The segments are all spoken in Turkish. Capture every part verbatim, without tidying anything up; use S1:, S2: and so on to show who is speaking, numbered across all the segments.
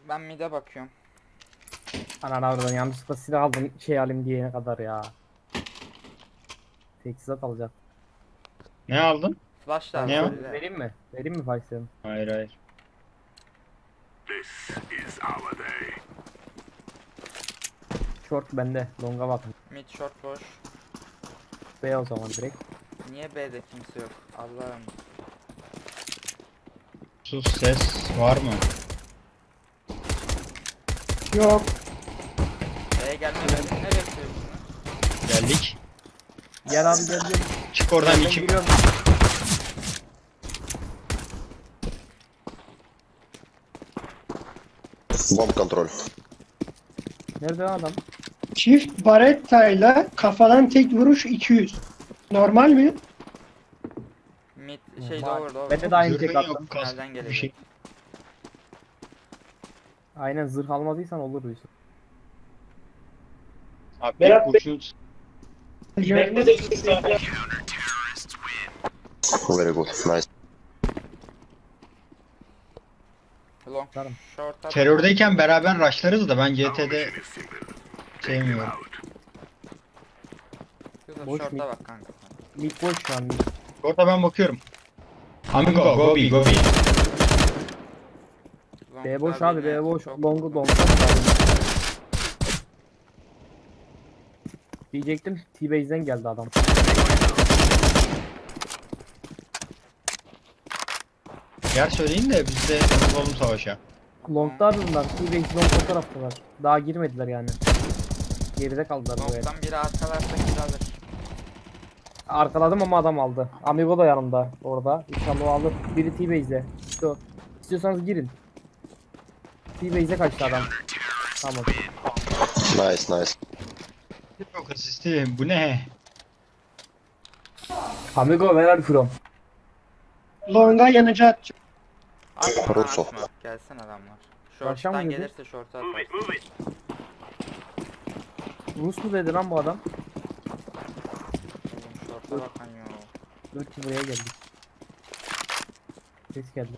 S1: Ben mid'e bakıyorum.
S2: Ananı oradan yanlışlıkla silah aldım şey alayım diyene kadar ya. Teçhizat alacak.
S3: Ne aldın?
S1: Flash
S3: Ne o?
S1: lazım bize.
S2: Vereyim mi? Vereyim mi Faysal'ım?
S3: Hayır hayır.
S2: Short bende. Long'a bakın.
S1: Mid short boş.
S2: B o zaman direkt.
S1: Niye B'de kimse yok? Allah'ım.
S3: Sus, ses var mı?
S4: Yok.
S1: B'ye gelmeden ne bekliyorsunuz?
S3: Geldik.
S2: Gel abi gel gel.
S3: Çık oradan
S2: Ben
S3: iki.
S2: giriyorum.
S5: Bomb control.
S2: Nerede lan adam?
S4: Çift barettayla kafadan tek vuruş iki yüz. Normal mi?
S1: Mid şey
S2: Var.
S1: doğru doğru.
S2: Bende de aynı
S3: Zırhın
S2: tek
S3: yok,
S2: attım.
S3: kask
S1: Nereden
S3: bir
S1: gelecek?
S3: şey.
S2: Aynen zırh almadıysan olur Yusuf.
S3: Abi
S4: Berat
S3: tek kurşun.
S5: Very good. Nice.
S1: Long
S2: Tamam.
S1: short at.
S3: Terördeyken beraber rushlarız da ben G T'de sevmiyorum.
S1: Yusuf
S2: Boş
S1: short'a
S2: mid.
S1: bak kanka.
S2: Mid boş şu an mid.
S3: Orada ben bakıyorum. Amigo, go B, go B.
S1: Long
S2: B boş
S1: daha
S2: abi
S1: birine
S2: B boş.
S1: çok-
S2: Long'u long. Diyecektim T-Base'den geldi adam.
S3: Yer söyleyin de biz de olalım savaşa.
S2: Long'da abi bunlar. T-Base long o taraftalar. Daha girmediler yani. Geride kaldılar buraya.
S1: Long'dan biri arkalarsa kill alır.
S2: Arkaladım ama adam aldı. Amigo da yanımda orada. İnşallah o alır. Biri T-Base'de. İşte o. İstiyorsanız girin. T-Base'e kaçtı adam. Tamam.
S5: Nice, nice.
S3: Yok asisti, bu ne?
S2: Amigo where are you from?
S4: Longa yanıcı atacağım.
S1: Atma lan
S5: Russo.
S1: atma. Gelsin adamlar.
S2: Başa mı
S1: Short'tan
S2: dedi?
S1: gelirse short'a atar.
S2: Rus mu dedi lan bu adam?
S1: Oğlum short'a bakan yo.
S2: Dur ki buraya geldik. Ses geldi.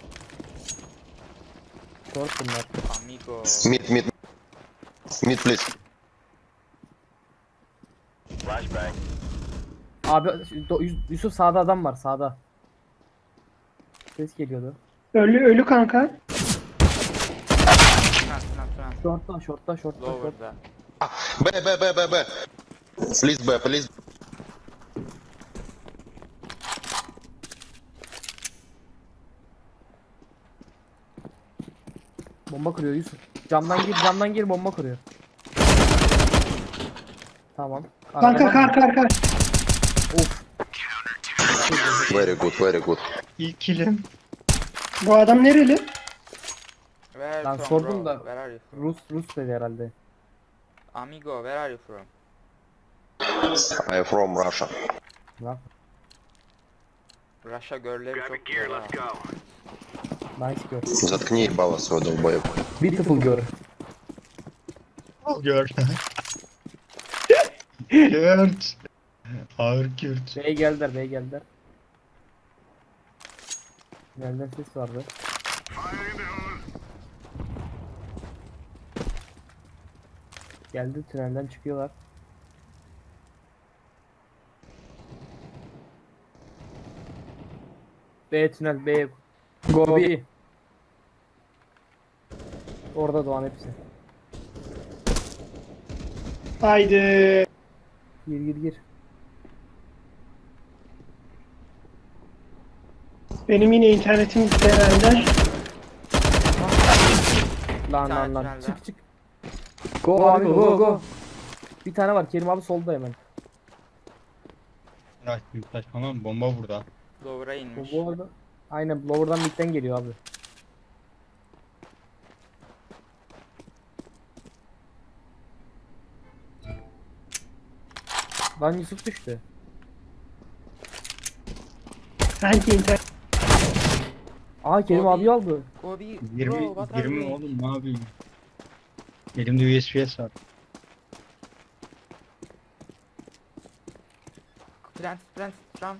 S2: Short bunlar.
S1: Amigo.
S5: Mid, mid. Mid, please.
S2: Abi Do- Yus- Yusuf sağda adam var sağda. Ses geliyordu.
S4: Ölü ölü kanka.
S1: Sinan Sinan Sinan.
S2: Short'ta short'ta short'ta short.
S1: Lower'da.
S5: B, B, B, B, B. Please, B, please.
S2: Bomba kırıyor Yusuf. Camdan gir camdan gir bomba kırıyor. Tamam.
S4: Kanka
S2: Arkadan
S4: kar
S2: mı?
S4: kar kar.
S2: Of.
S5: Very good, very good.
S3: İlk kilim.
S4: Bu adam nereli?
S1: Where
S2: Ben
S1: from
S2: sordum
S1: bro?
S2: da-
S1: Where are you from?
S2: Rus Rus dedi herhalde.
S1: Amigo, where are you from?
S5: I am from Russia.
S2: Bak.
S1: Russia girl'leri çok güzel ha.
S2: Nice girl.
S5: Заткни ебало свой долбоеб.
S2: Beautiful girl.
S3: Gör. Kürt. Ağır Kürt.
S2: Bey geldiler bey geldiler. Nereden ses vardı? Geldi tünelden çıkıyorlar. B tünel B. Go B. Orada doğan hepsi.
S4: Haydi.
S2: Gir gir gir.
S4: Benim yine internetim gitti herhalde.
S2: Lan
S1: Bir
S2: lan
S1: tane
S2: lan.
S1: tünelde.
S2: Çık çık. Go abi go go go. Bir tane var Kerim abi solda hemen.
S3: Bırak büyük saçmalama, bomba burada.
S1: Lower'a
S2: Bu,
S1: inmiş.
S2: bu arada aynen lower'dan midden geliyor abi. Lan Yusuf düştü.
S4: Sanki internet.
S2: Aa Kerim
S1: Abi.
S2: abi aldı.
S1: Go be, bro,
S3: yirmi,
S1: what are
S3: yirmi
S1: you?
S3: oğlum ne yapayım? Elimde U S B S var.
S1: Plant, plant, run.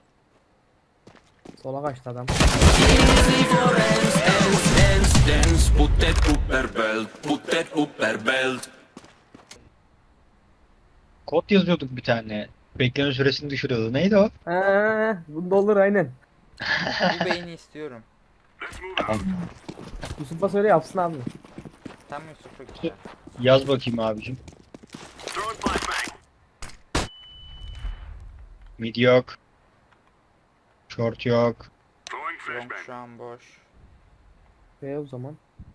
S2: Sola kaçtı adam.
S6: Easy for dance, dance, dance, dance. put that upper belt, put that upper belt.
S3: Kod yazıyorduk bir tane. Bekleme süresini düşürüyordu. Neydi o?
S2: Eee bunda olur aynen.
S1: Bu beyni istiyorum.
S2: Yusuf'a söyle yapsın abi.
S1: Tam Yusuf'a gideceğim.
S3: Yaz bakayım abicim. Mid yok. Short yok.
S1: Long şu an boş.
S2: E o zaman.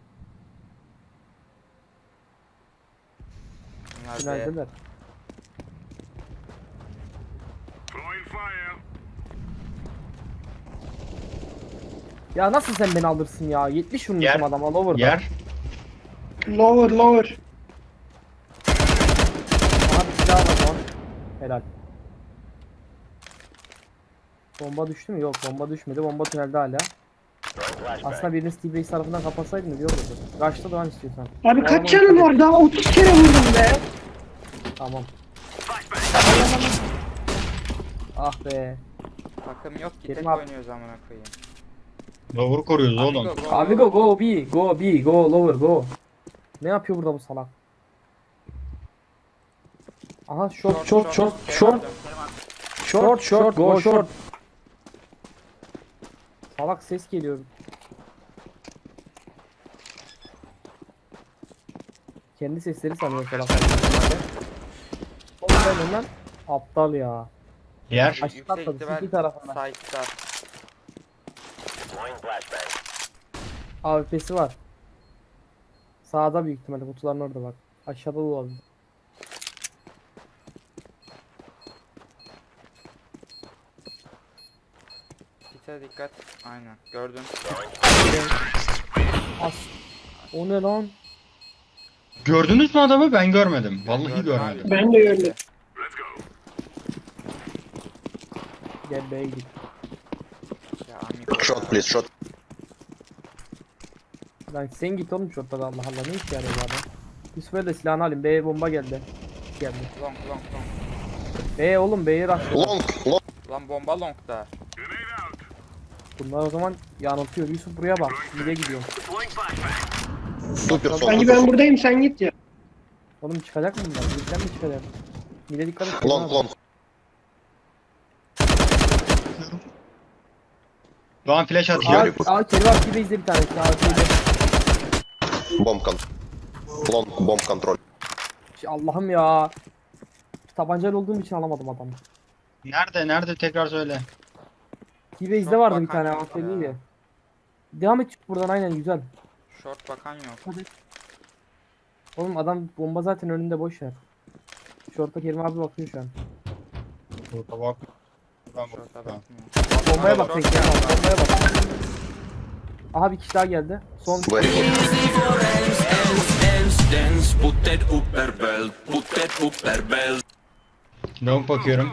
S1: Bunlar B.
S2: Finaldeler. Ya nasıl sen beni alırsın ya? yetmiş
S3: Yer.
S2: vurmuşum adama lower'da.
S3: Yer.
S4: Lower lower.
S2: Aha bir silah var lan. Helal. Bomba düştü mü? Yok bomba düşmedi. Bomba tünelde hala. Aslında birini Steve Base tarafından kapatsaydın iyi olurdu. Kaçta doğan istiyorsan.
S4: Abi
S2: O
S4: kaç
S2: adamı
S4: canın
S2: dikkat et.
S4: var? Daha otuz kere vurdum be.
S2: Tamam. Ah be.
S1: Takım yok ki,
S2: Kerim
S1: tek
S2: abi.
S1: oynuyoruz amına koyayım.
S3: Lower koruyoruz oğlum.
S1: Amigo, go,
S2: Abi go go B. Go B. Go lower go. Ne yapıyor burada bu salak? Aha short short short short short short go short. Salak ses geliyor. Kendi sesleri sanıyor salak. Oğlum ben lan aptal ya.
S3: Yer.
S1: Yüksek
S2: Aşağı atladı,
S1: ihtimal
S2: iki tarafına.
S1: Side'da.
S2: A W P'si var. Sağda büyük ihtimalle kutuların orada bak. Aşağıda da olabilir.
S1: Gite dikkat. Aynen. Gördün.
S2: As. O ne lan?
S3: Gördünüz mü adamı? Ben görmedim. Vallahi
S1: Gördüm
S3: görmedim.
S1: abi.
S4: Ben de gördüm.
S2: Gel B'ye gidelim.
S1: Ya amigo.
S5: Shot, please, shot.
S2: Lan sen git oğlum şurada da Allah Allah ne işe yarıyor bu adam? Yusuf'a da silahını alayım. B'ye bomba geldi. Geldi.
S1: Long long long.
S2: B oğlum B'ye rush.
S5: Long, long.
S1: Lan bomba longda.
S2: Bunlar o zaman yanıltıyor. Yusuf buraya bak. Nereye gidiyorum?
S5: Super
S2: Bence
S5: son.
S4: Sanki ben buradayım sen git ya.
S2: Oğlum çıkacak mı bunlar? Birlikten mi çıkacak? Mide dikkat et.
S5: Long, long.
S3: Şu an flash
S2: Aa,
S3: atıyor.
S2: aa Kerim abi gibi izle bir tane. Aa şeyde.
S5: Bomb con. Long, bomb control.
S2: Şey, Allah'ım ya. Tabancayla olduğum için alamadım adamı.
S3: Nerede? Nerede? Tekrar söyle.
S2: T-Base'de
S1: Çok
S2: vardı bir
S1: bakan
S2: tane
S1: yok
S2: aferiydi.
S1: ya.
S2: Devam et çık buradan aynen güzel.
S1: Short bakan yok.
S2: Oğlum adam bomba zaten önünde boş ver. Şorta Kerim abi bakıyor şu an.
S3: Burada bak. Ben
S1: Short'a
S3: bakıyorum.
S1: bakmıyor.
S2: Bombaya bak
S1: Short
S2: tek Kerim abi,
S1: geldi.
S2: bombaya bak. Aha bir kişi daha geldi. Son
S5: Very good.
S6: Dance, dance, dance, put that upper belt, put that upper belt.
S3: Long bakıyorum.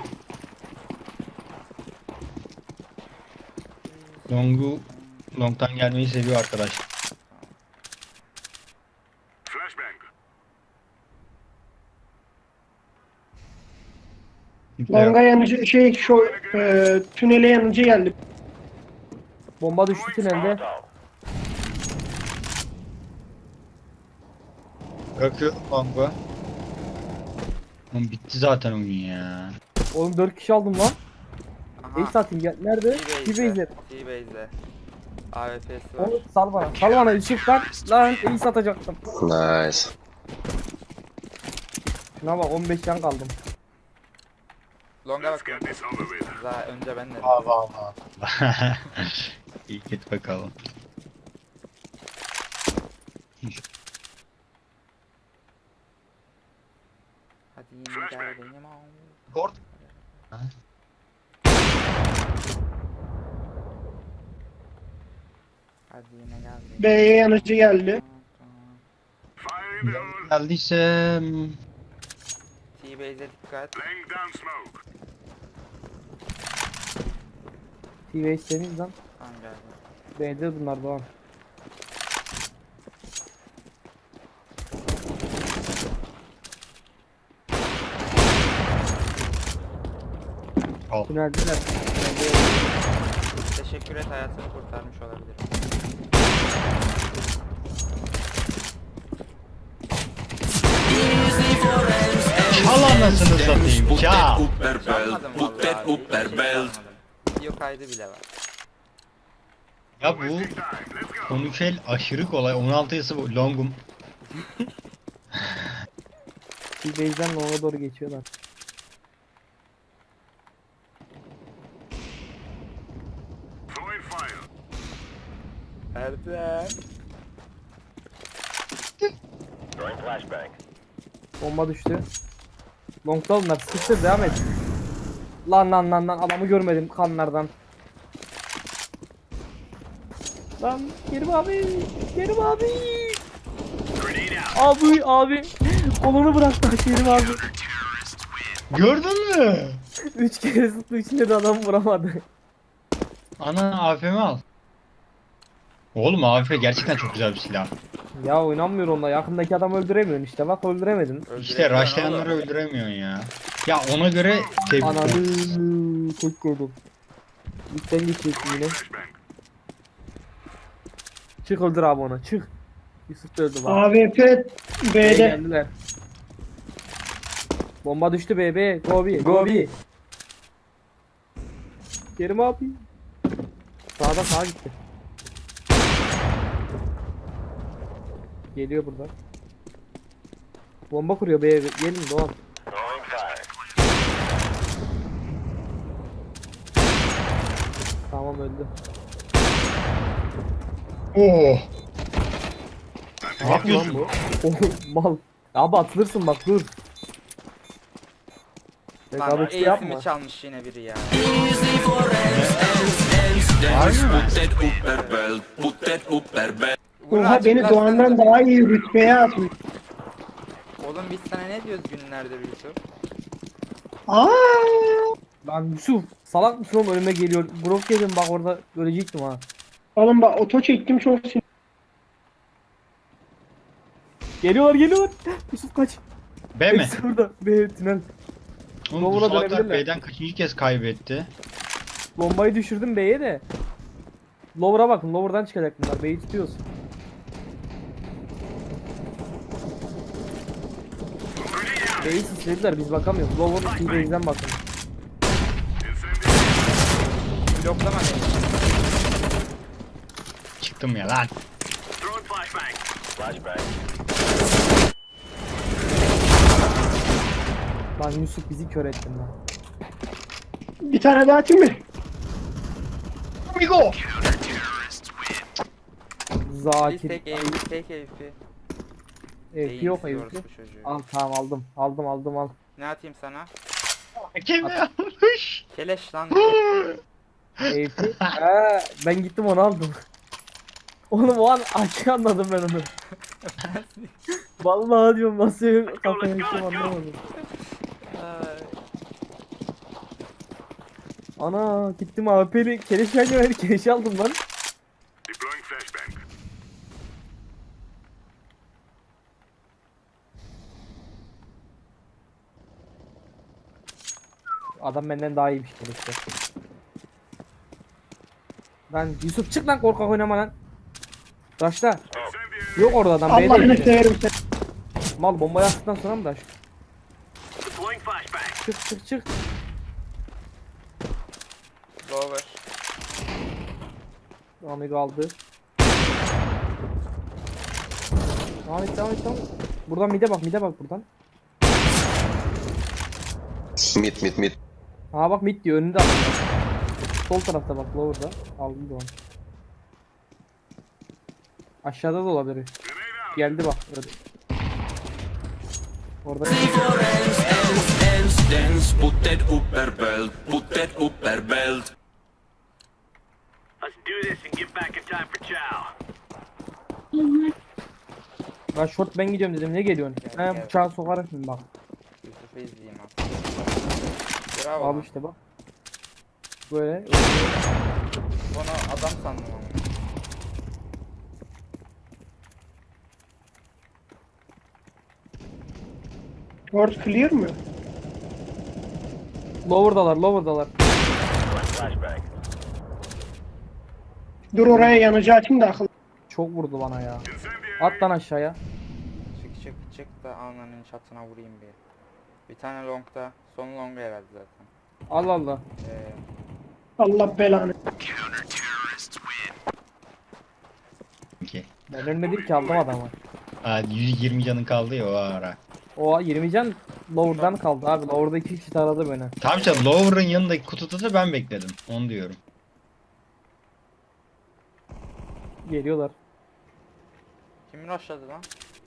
S3: Long'u Long'tan gelmeyi seviyor arkadaş.
S4: Longa yanıcı şey şu e, tünele yanıcı geldi.
S2: bomba düştü tünelde.
S3: Bırakıyorum Long'u. Oğlum bitti zaten oyun ya.
S2: Oğlum dört kişi aldım lan.
S1: Aha.
S2: Ace atayım gel. Nerede? T-Base'de.
S1: T-Base'de. A W P'si var.
S2: Oğlum sal bana. Sal bana Yusuf lan. Lan Ace atacaktım.
S5: Nice.
S2: Şuna bak on beş can kaldım.
S1: Long'a bakıyorum. Daha önce ben de.
S3: Allah Allah. İyi git bakalım.
S1: Hadi yine gel benim al.
S3: Kort.
S1: Hadi yine gel benim.
S4: B'ye yanıcı geldi.
S3: Geldiyse hmm,
S1: T-Base'e dikkat.
S2: T-Base temiz lan.
S1: Tamam geldi.
S2: B'de bunlar doğan.
S3: al.
S2: Tüneldeler.
S1: Teşekkür et, hayatını kurtarmış olabilir.
S3: anasını satayım.
S6: Put
S3: Ya.
S6: that upper belt,
S1: Çalmadım
S6: put that
S1: vallahi.
S6: upper
S1: Hiç
S6: belt.
S1: çalmadım. Video kaydı bile var.
S3: Ya bu konuş el aşırı kolay. on altı yası bu. Longum.
S2: T-Base'den Long'a doğru geçiyorlar.
S1: Erdem.
S2: Bomba düştü. Long'da onlar. Sıkıştır, devam et. Lan lan lan lan, adamı görmedim kanlardan. Lan Kerim abi, Kerim abi. Abi abi. Kolunu bıraktı Kerim abi.
S3: Gördün mü?
S2: Üç kere sıktı, içinde de adam vuramadı.
S3: Ana A F M al. Oğlum A F M gerçekten çok güzel bir silah.
S2: Ya oynanmıyor onunla. Yakındaki adamı öldüremiyorsun işte. Bak öldüremedin.
S3: İşte
S1: Öldüremiyorsun
S3: rushlayanları
S1: oğlum.
S3: öldüremiyorsun ya. Ya ona göre tebrik
S2: Ananı
S3: ederim.
S2: çok gördüm. Lütfen geçeceksin yine. Çık öldür abi onu. Çık. Yusuf da öldü bak.
S4: A W P
S2: B'ye
S4: B'de.
S2: geldiler. Bomba düştü B B. Go B. Go B. Kerim abi. Sağda sağa gitti. Geliyor buradan. Bomba kuruyor B'ye. Gelin Doğan. Tamam öldü.
S3: Oo.
S2: Ne
S3: Ne yapıyorsun?
S2: bu? Oğlum mal. Abi atılırsın bak dur.
S1: Lan
S2: Rekabetçi
S1: eğitimi
S2: yapma.
S1: çalmış yine biri ya.
S6: Easy for ends, ends, ends, dance.
S3: Harbi mi?
S6: Put that upper belt, put that upper belt.
S1: Bunu
S4: Oha beni
S1: açıklarsanız-
S4: Doğan'dan daha iyi rütbeye atmış.
S1: Oğlum biz sana ne diyoruz günlerdir Yusuf?
S4: Aa!
S2: Lan Yusuf salak mısın oğlum, önüme geliyor. Brok yedim bak, orada ölecektim ha.
S4: Oğlum bak oto çektim çok sinir.
S2: Geliyorlar geliyorlar. Yusuf kaç.
S3: B mi?
S2: Hepsi burada. B tünel.
S3: Oğlum bu
S2: Lower'a
S3: salaklar
S2: dönebilirler.
S3: B'den kaçıncı kez kaybetti?
S2: Bombayı düşürdüm B'ye de. Lower'a bakın, Lower'dan çıkacak bunlar. B'yi tutuyoruz. B'yi sislediler, biz bakamıyoruz. Lower T-Base'den bakın.
S1: Bloklama beni.
S3: Çıktım ya lan.
S2: Lan Yusuf bizi kör ettin lan.
S4: Bir tane daha atayım mı?
S3: Amigo.
S1: Biz
S2: Zakir.
S1: tek eğifi, tek eğifi.
S2: Evet, yok
S1: Eğimsiz
S2: yok.
S1: orospu çocuğu.
S2: Al tamam, aldım. Aldım aldım al.
S1: Ne atayım sana?
S3: Kim yapmış?
S1: Keleş lan.
S2: Eyfi. Ha, ben gittim onu aldım. Oğlum o an açık anladım ben onu. Vallahi diyorum nasıl kafaya geçtim anlamadım.
S1: Ay.
S2: Ana gittim A W P'li keleş vermiyor, keleş aldım lan. Adam benden daha iyiymiş keleşte. Lan Yusuf çık lan, korkak oynama lan. Raşla. Yok orada adam, B'de
S4: Allah'ını
S2: işte.
S4: severim seni.
S2: Mal bombayı attıktan sonra mı daş? Çık çık çık.
S1: Lower.
S2: Amigo aldı. Devam et devam et devam et. Buradan mide bak, mide bak buradan.
S5: Mid, mid, mid.
S2: Ha bak mid diyor, önünde adam. Sol tarafta bak, lower'da. Aldım da onu. Aşağıda da olabilir. Geldi bak. Öyle. Orada.
S6: Easy for ends, ends, ends, dance. Put that upper belt, put that upper belt.
S7: Let's do this and get back in time for chow.
S2: Ben short ben gidiyorum dedim, ne geliyorsun?
S1: Gel,
S2: He
S1: gel.
S2: bıçağı sokarak şimdi bak.
S1: Yusuf'u izleyeyim abi. Bravo.
S2: Al
S1: lan.
S2: işte bak. Böyle.
S1: Onu adam sandım ama.
S4: Short clear mı?
S2: Lower'dalar, lower'dalar.
S4: Dur oraya yanıcı atayım da akıl.
S2: Çok vurdu bana ya. At lan aşağıya.
S1: Çık çık çık da alnının çatına vurayım bir. Bir tane longda. Son longa herhalde zaten.
S2: Allah Allah.
S1: Ee,
S4: Allah belanı.
S3: Ki.
S2: Ben ölmedim ki, aldım adamı.
S3: Aa, yüz yirmi canın kaldı ya o ara.
S2: O yirmi can lower'dan kaldı abi. Lower'da iki kişi taradı beni.
S3: Tamam işte Lower'ın yanındaki kutuda da ben bekledim. Onu diyorum.
S2: Geliyorlar.
S1: kim rushladı lan?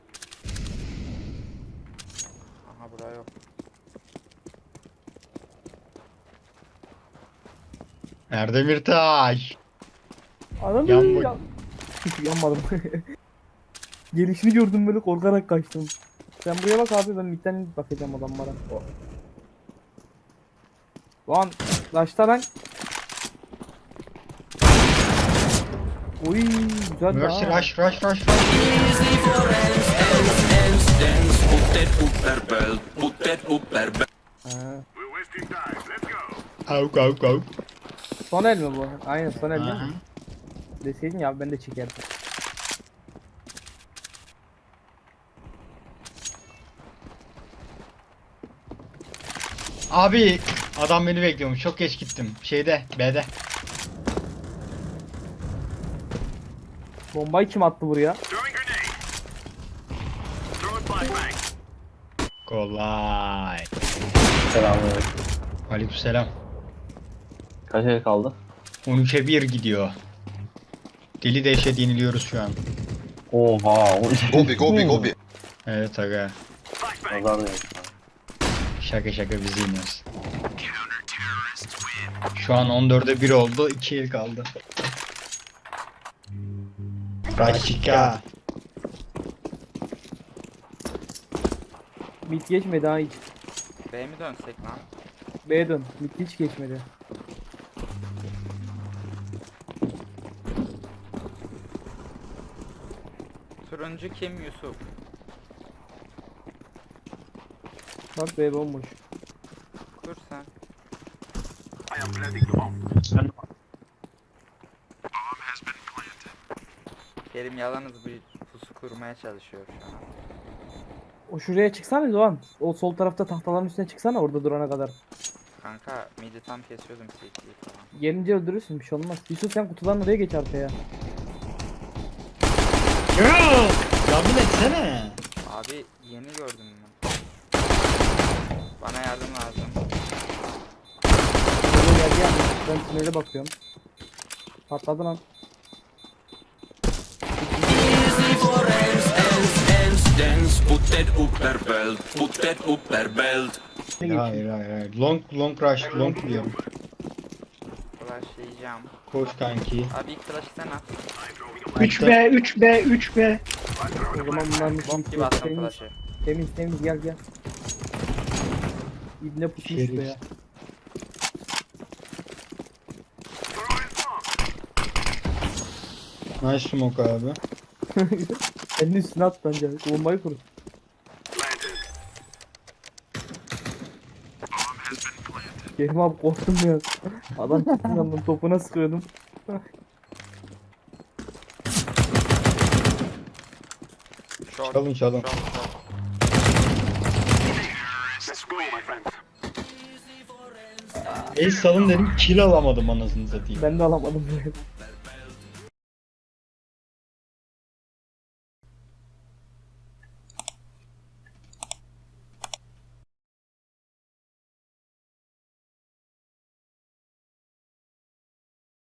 S1: Aha buraya yok.
S3: Erdemir Taş.
S2: Anam
S3: Yan bak.
S2: ya. Yanmadım. Gelişini gördüm, böyle korkarak kaçtım. Sen buraya bak abi, ben midden bakacağım adamlara. Lan başta lan. Oy güzel
S3: Mercy
S2: ha.
S3: rush rush rush rush.
S6: Easy for hands, hands, hands, dance. Put that upper belt, put that upper belt.
S2: Ha.
S3: Avuk avuk avuk.
S2: Son el mi bu? Aynen son el değil
S3: Aha.
S2: mi? Deseydin ya, ben de çekerdim.
S3: Abi adam beni bekliyormuş. Çok geç gittim. Şeyde B'de.
S2: Bombayı kim attı buraya?
S7: Throwing grenade. Throwing flashbang.
S3: Kolay.
S8: Selamünaleyküm.
S3: Aleykümselam.
S8: Kaç el kaldı?
S3: on üçe bir gidiyor. Deli dehşet yeniliyoruz şu an.
S8: Oha.
S5: Gobi, Gobi, Gobi.
S3: Evet aga.
S7: Flashbang.
S8: Nazar değil.
S3: Şaka şaka biz yeniyoruz. Şu an on dörde bir oldu. iki el kaldı. Raşika.
S2: Mid geçmedi ha hiç.
S1: B'ye mi dönsek lan?
S2: B'ye dön. Mid hiç geçmedi.
S1: Turuncu kim Yusuf?
S2: Bak B bomboş.
S1: Kur sen.
S7: I am planting the bomb.
S1: Kerim yalnız bir pusu kurmaya çalışıyor şu an.
S2: O şuraya çıksana Doğan. O sol tarafta tahtaların üstüne çıksana, orada durana kadar.
S1: Kanka midi tam kesiyordum C T'yi falan.
S2: Gelince öldürürsün, bir şey olmaz. Yusuf sen kutudan oraya geç arkaya.
S3: Yardım etsene.
S1: Abi yeni gördüm ben. Bana yardım lazım.
S2: Oraya gel gel. Ben tünele bakıyorum. Patladı lan.
S6: Easy for hands, hands, hands, dance. Put that upper belt, put that upper belt.
S2: Ne geçiyor?
S3: Hayır hayır hayır. Long long rush long diyorum.
S1: Flashlayacağım.
S3: Koş kanki.
S1: Abi ilk flash'ı sen at.
S4: üç B, üç B, üç B.
S2: O zaman bunların bir
S1: Bomb
S2: şey
S1: gibi attım
S2: temiz,
S1: flash'ı.
S2: temiz temiz gel gel. İbne pusmuş
S3: Şerif.
S2: be ya.
S3: Nice smoke abi.
S2: Elini üstüne at bence. Bombayı kur. Kerim abi korktum ya. Adam çıktı yandan, topuna sıkıyordum.
S1: Short.
S3: Çalın çalın.
S1: Short, short.
S7: Let's go, my friends.
S3: Ace salın dedim kill alamadım anasını satayım.
S2: Ben de alamadım böyle.